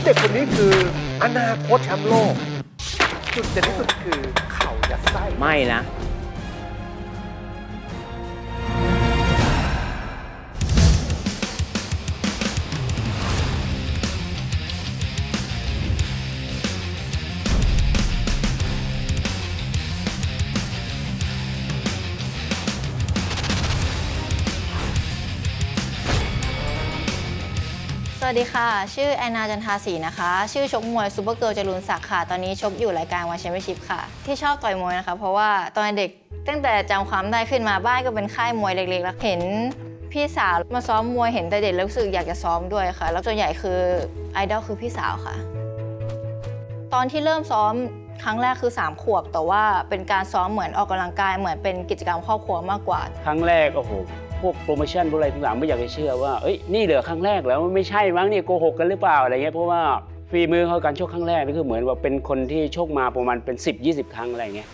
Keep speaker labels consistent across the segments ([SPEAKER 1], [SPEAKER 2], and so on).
[SPEAKER 1] ด็กคนนี้คืออนาคตแชมป์โลกจุดเด่นที่สุดคือเข่ายัดไส้
[SPEAKER 2] ไม่นะ
[SPEAKER 3] สวัสดีค่ะชื่อแอนนาจันทาศรีนะคะชื่อชกมวยซูเปอร์เกิร์ลจรูนศักดิ์ค่ะตอนนี้ชกอยู่รายการวันแชมเปี้ยนชิพค่ะที่ชอบต่อยมวยนะคะเพราะว่าตอนเด็กตั้งแต่จำความได้ขึ้นมาบ้านก็เป็นค่ายมวยเล็กๆแล้วเห็นพี่สาวมาซ้อมมวยเห็นแต่เด็กแล้วรู้สึกอยากจะซ้อมด้วยค่ะแล้วส่วนใหญ่คือไอดอลคือพี่สาวค่ะตอนที่เริ่มซ้อมครั้งแรกคือ3 ขวบแต่ว่าเป็นการซ้อมเหมือนออกกำลังกายเหมือนเป็นกิจกรรมครอบครัวมากกว่า
[SPEAKER 2] ครั้งแรกโอ้โหพวกโปรโมชั่นพวกอะไรต่างๆไม่อยากจะเชื่อว่าเอ้ยนี่เหลือครั้งแรกแล้วไม่ใช่มั้งเนี่ยโกหกกันหรือเปล่าอะไรเงี้ยเพราะว่าฝีมือเขาการชกครั้งแรกนี่คือเหมือนว่าเป็นคนที่ชกมาประมาณเป็น10-20 ครั้งอะไรเงี้ย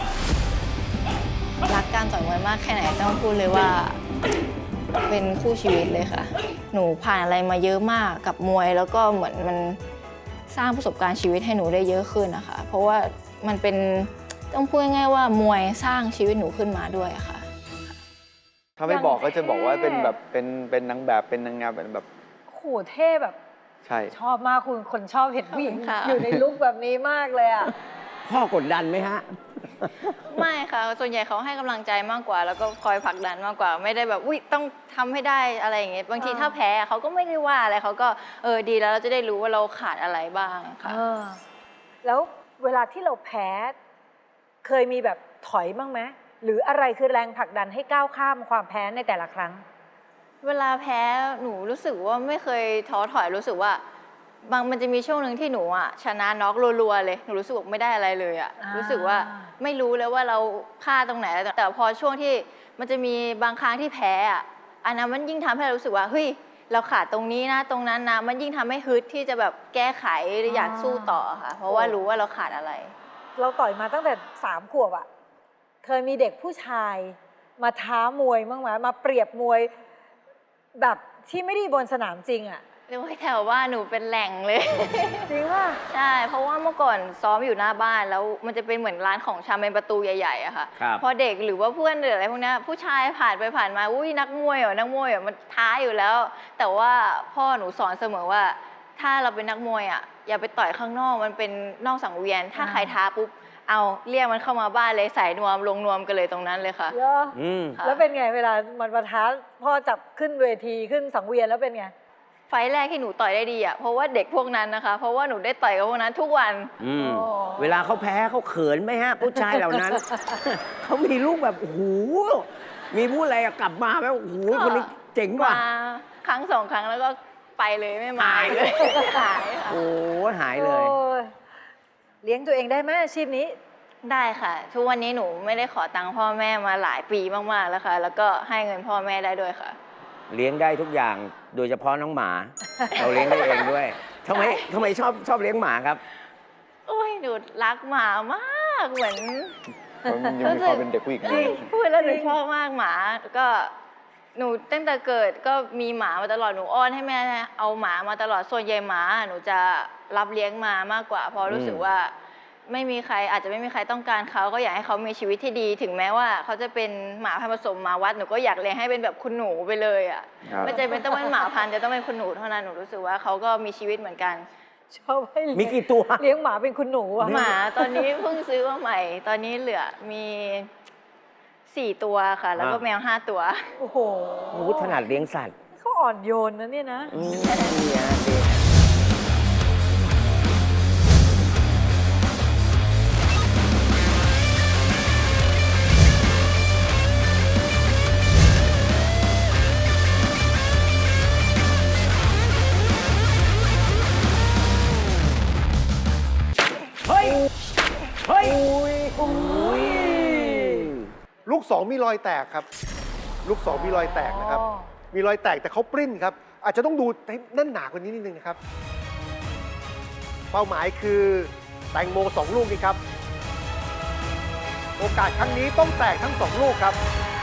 [SPEAKER 3] รักการต่อยมวยมากแค่ไหนต้องพูดเลยว่าเป็นคู่ชีวิตเลยค่ะหนูผ่านอะไรมาเยอะมากกับมวยแล้วก็เหมือนมันสร้างประสบการณ์ชีวิตให้หนูได้เยอะขึ้นนะคะเพราะว่ามันเป็นต้องพูดง่ายๆว่ามวยสร้างชีวิตหนูขึ้นมาด้วยอะค่ะ
[SPEAKER 4] ถ้าไม่บอกก็จะบอกว่าเป็นแบบเป็นนางแบบเป็นนางงามเป็นแบบ
[SPEAKER 5] โหเท่แบบ
[SPEAKER 4] ใช่
[SPEAKER 5] ชอบมากคุณคนชอบเห็นผู้หญิง
[SPEAKER 3] ขอบคุณค่ะ
[SPEAKER 5] อยู่ในลุคแบบนี้มากเลยอ่ะ
[SPEAKER 2] พ่อกดดันไหมฮะ
[SPEAKER 3] ไม่ค่ะส่วนใหญ่เขาให้กำลังใจมากกว่า แล้วก็คอยผลักดันมากกว่า ไม่ได้แบบอุ้ยต้องทำให้ได้อะไรอย่างเงี้ยบางทีถ้าแพ้เขาก็ไม่ได้ว่าอะไรเขาก็ดีแล้วเราจะได้รู้ว่าเราขาดอะไรบ้างค่ะ
[SPEAKER 5] แล้วเวลาที่เราแพ้เคยมีแบบถอยบ้างไหมหรืออะไรคือแรงผลักดันให้ก้าวข้ามความแพ้ในแต่ละครั้ง
[SPEAKER 3] เวลาแพ้หนูรู้สึกว่าไม่เคยท้อถอยรู้สึกว่ามันจะมีช่วงหนึ่งที่หนูชนะน็อกรัวๆเลยหนูรู้สึกว่าไม่ได้อะไรเลยรู้สึกว่าไม่รู้เลยว่าเราพลาดตรงไหนแต่พอช่วงที่มันจะมีบางครั้งที่แพ้อันนั้นมันยิ่งทำให้เรารู้สึกว่าเฮ้ยเราขาดตรงนี้นะตรงนั้นนะมันยิ่งทำให้ฮึดที่จะแบบแก้ไขหรืออยากสู้ต่อค่ะเพราะว่ารู้ว่าเราขาดอะไร
[SPEAKER 5] เราต่อยมาตั้งแต่3 ขวบอ่ะเคยมีเด็กผู้ชายมาท้ามวยบ้างไหมมาเปรียบมวยแบบที่ไม่ได้บนสนามจริงอ่ะ
[SPEAKER 3] เรียกว่าแถวว่าหนูเป็นแหล่งเลย
[SPEAKER 5] จริงป่ะ
[SPEAKER 3] ใช่เพราะว่าเมื่อก่อนซ้อมอยู่หน้าบ้านแล้วมันจะเป็นเหมือนร้านของชำเป็นประตูใหญ่ๆอะค่ะ
[SPEAKER 2] ครับ
[SPEAKER 3] พอเด็กหรือว่าเพื่อนหรืออะไรพวกนี้ผู้ชายผ่านไปผ่านมาอุ้ยนักมวยเหรอนักมวยเหรอมันท้าอยู่แล้ว แต่ว่าพ่อหนูสอนเสมอว่า ถ้าเราเป็นนักมวยอย่าไปต่อยข้างนอกมันเป็นนอกสังเวียน ถ้าใครท้าปุ๊บเอาเรียกมันเข้ามาบ้านเลยใส่นวมลงนวมกันเลยตรงนั้นเลยค่ะ
[SPEAKER 5] เหรอ
[SPEAKER 3] ค่ะ
[SPEAKER 5] แล้วเป็นไงเวลามันมาท้าพ่อจับขึ้นเวทีขึ้นสังเวียนแล้วเป็นไง
[SPEAKER 3] ไฟล์แรกที่หนูต่อยได้ดีเพราะว่าเด็กพวกนั้นนะคะ เพราะว่าหนูได้ต่อยกับพวกนั้นทุกวัน
[SPEAKER 5] อ๋อ
[SPEAKER 6] เวลาเขาแพ้เขาเขินไหมฮะ ผู้ชายเหล่า นั้น เขามีลูกแบบโอ้โหมีผู้อะไรกลับมาแล้วโอ้โหคนนี้เจ๋งว่ะ
[SPEAKER 3] มาครั้ง2 ครั้งแล้วก็ไปเลยไม่มาอีกเลยหายค่ะ
[SPEAKER 6] โอ้หายเลย
[SPEAKER 5] โอ้ยเลี้ยงตัวเองได้ไหมอาชีพนี้
[SPEAKER 3] ได้ค่ะ ทุกวันนี้หนูไม่ได้ขอตังค์พ่อแม่มาหลายปีมากๆแล้วค่ะ แล้วก็ให้เงินพ่อแม่ได้ด้วยค่ะ
[SPEAKER 6] เลี้ยงได้ทุกอย่างโดยเฉพาะน้องหมา เราเลี้ยงได้เองด้วยทำไมชอบเลี้ยงหมาครับ
[SPEAKER 3] โอ้ยหนูรักหมามากเหมือน
[SPEAKER 4] มันยังมีความเป็นเด็กผู้หญิงอยู่
[SPEAKER 3] พูดแล้วหนูชอบมากหมาก็หนูตั้งแต่เกิดก็มีหมามาตลอดหนูอ้อนให้แม่เอาหมามาตลอดส่วนใหญ่หมาหนูจะรับเลี้ยงมามากกว่าเพราะรู้สึกว่าไม่มีใครอาจจะไม่มีใครต้องการเขาก็อยากให้เขามีชีวิตที่ดีถึงแม้ว่าเขาจะเป็นหมาพันธุ์ผสมหมาวัดหนูก็อยากเลี้ยงให้เป็นแบบคุณหนูไปเลย
[SPEAKER 4] ครับ
[SPEAKER 3] ไม่จำเป็นต้องเป็นหมาพันธุ์จะต้องเป็นคุณหนูเท่านั้นหนูรู้สึกว่าเขาก็มีชีวิตเหมือนกัน
[SPEAKER 5] ชอบให้เลี้ยง
[SPEAKER 6] มีกี่ตัว
[SPEAKER 5] เลี้ยงหมาเป็นคุณหนูอะ
[SPEAKER 3] หมาตอนนี้เพิ่งซื้อมาใหม่ ตอนนี้เหลือมี4 ตัวค่ะ แล้วก็แมว5 ตัว
[SPEAKER 5] โอ้โห
[SPEAKER 6] โอ้โหถนัดเลี้ยงสัตว์
[SPEAKER 5] เขาอ่อนโยนนะเนี่ยนะ
[SPEAKER 6] เนี่ยเด็ก
[SPEAKER 2] เฮ้ย เฮ้ย
[SPEAKER 1] ลูก2มีรอยแตกครับ ลูก2มีรอยแตกนะครับ
[SPEAKER 5] อ๋อ
[SPEAKER 1] มีรอยแตกแต่เขาปริ้นครับ อาจจะต้องดูให้แน่นหนากว่านี้นิดนึงนะครับ เป้าหมายคือแตงโม2 ลูกนี่ครับ โอกาสครั้งนี้ต้องแตกทั้ง2 ลูกครับ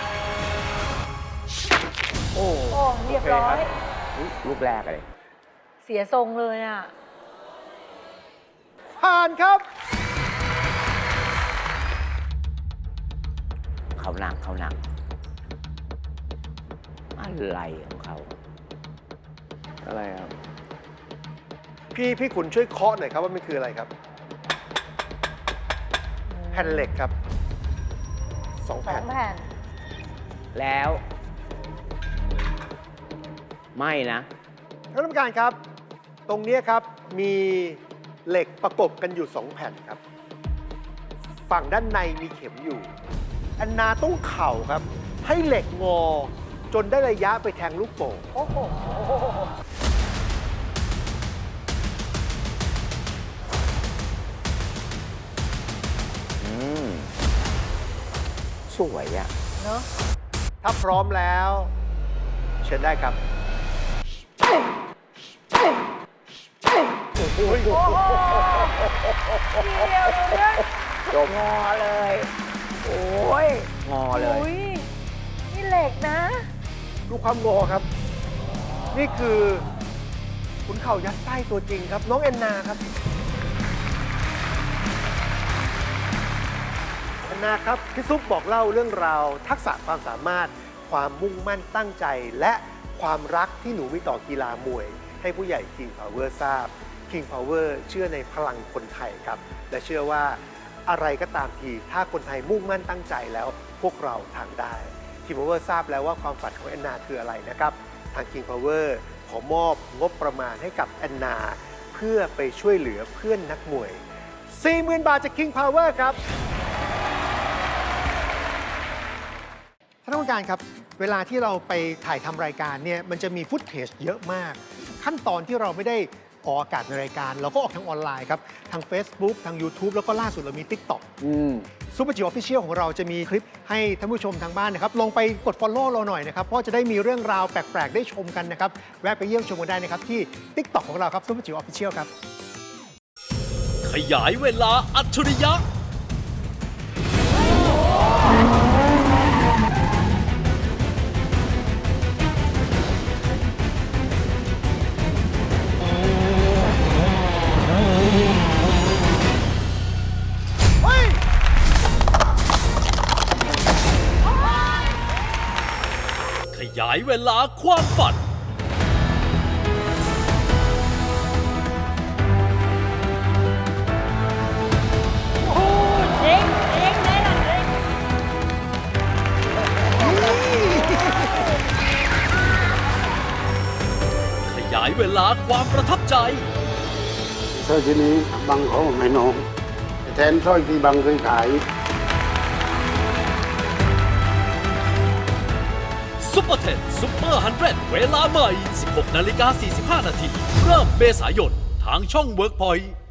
[SPEAKER 1] โอ้
[SPEAKER 5] โอ้เรียบร้อย
[SPEAKER 6] ลูกแรกเลย
[SPEAKER 5] เสียทรงเลยอ่ะ
[SPEAKER 1] านครับ
[SPEAKER 6] เขาหนักอะไรของเขา
[SPEAKER 4] อะไรครับ
[SPEAKER 1] พี่ขุนช่วยเคาะหน่อยครับว่ามันคืออะไรครับ แผ่นเหล็กครับสอง
[SPEAKER 5] สอ
[SPEAKER 1] แผ่น
[SPEAKER 5] งแผ่น
[SPEAKER 6] แล้ว ไม่นะ
[SPEAKER 1] ท่านผู้การครับ ตรงเนี้ยครับมีเหล็กประกบกันอยู่ 2 แผ่นครับ ฝั่งด้านในมีเข็มอยู่แอนนาต้องเข่าครับ ให้เหล็กงอ จนได้ระยะไปแทงลูกโป่ง
[SPEAKER 5] โอ้โห
[SPEAKER 6] อืม สวยอะ
[SPEAKER 5] เนอะ
[SPEAKER 1] ถ้าพร้อมแล้ว เชิญได้ครับ
[SPEAKER 5] โอ้โหเดียวเลย
[SPEAKER 6] จบงอเลย โอ้ย งอเลย
[SPEAKER 5] อุ้ยนี่เหล็กนะ
[SPEAKER 1] ดูความงอครับ นี่คือขุนเข่ายัดไส้ตัวจริงครับ น้องแอนนาครับแอนนาครับพี่ซุปบอกเล่าเรื่องราว ทักษะความสามารถ ความมุ่งมั่นตั้งใจ และความรักที่หนูมีต่อกีฬามวย ให้ผู้ใหญ่ King Power ทราบ King Power เชื่อในพลังคนไทยครับ และเชื่อว่าอะไรก็ตามทีถ้าคนไทยมุ่งมั่นตั้งใจแล้วพวกเราทำได้ King Power ทราบแล้วว่าความฝันของแอนนาคืออะไรนะครับ ทาง King Power ขอมอบงบประมาณให้กับแอนนา เพื่อไปช่วยเหลือเพื่อนนักมวย 40,000 บาทจาก King Power ครับ
[SPEAKER 7] ท่านผู้การครับ เวลาที่เราไปถ่ายทำรายการเนี่ยมันจะมีฟุตเทจเยอะมาก ขั้นตอนที่เราไม่ได้ออกอากาศในรายการ เราก็ออกทางออนไลน์ครับ ทาง Facebook ทาง YouTube แล้วก็ล่าสุดเรามี TikTok ซูเปอร์จิ๋วออฟฟิเชียลของเราจะมีคลิปให้ท่านผู้ชมทางบ้านนะครับ ลองไปกด Follow เราหน่อยนะครับ เพราะจะได้มีเรื่องราวแปลก ๆ ได้ชมกันนะครับ แวะไปเยี่ยมชมกันได้นะครับ ที่ TikTok ของเราครับซูเปอร์จิ๋วออฟฟิเชียลครับ
[SPEAKER 8] ขยายเวลาอัจฉริยะ ขยายเวลาความฝัน ขยายเวลาความประทับใจ
[SPEAKER 9] สร้อยชิ้นนี้บังเขาให้น้องแทนสร้อยที่บังเคยขาย
[SPEAKER 8] ซุปเปอร์เทนซุปเปอร์100 เวลาใหม่ 16:45 นาที เริ่มเมษายน ทางช่อง WorkPoint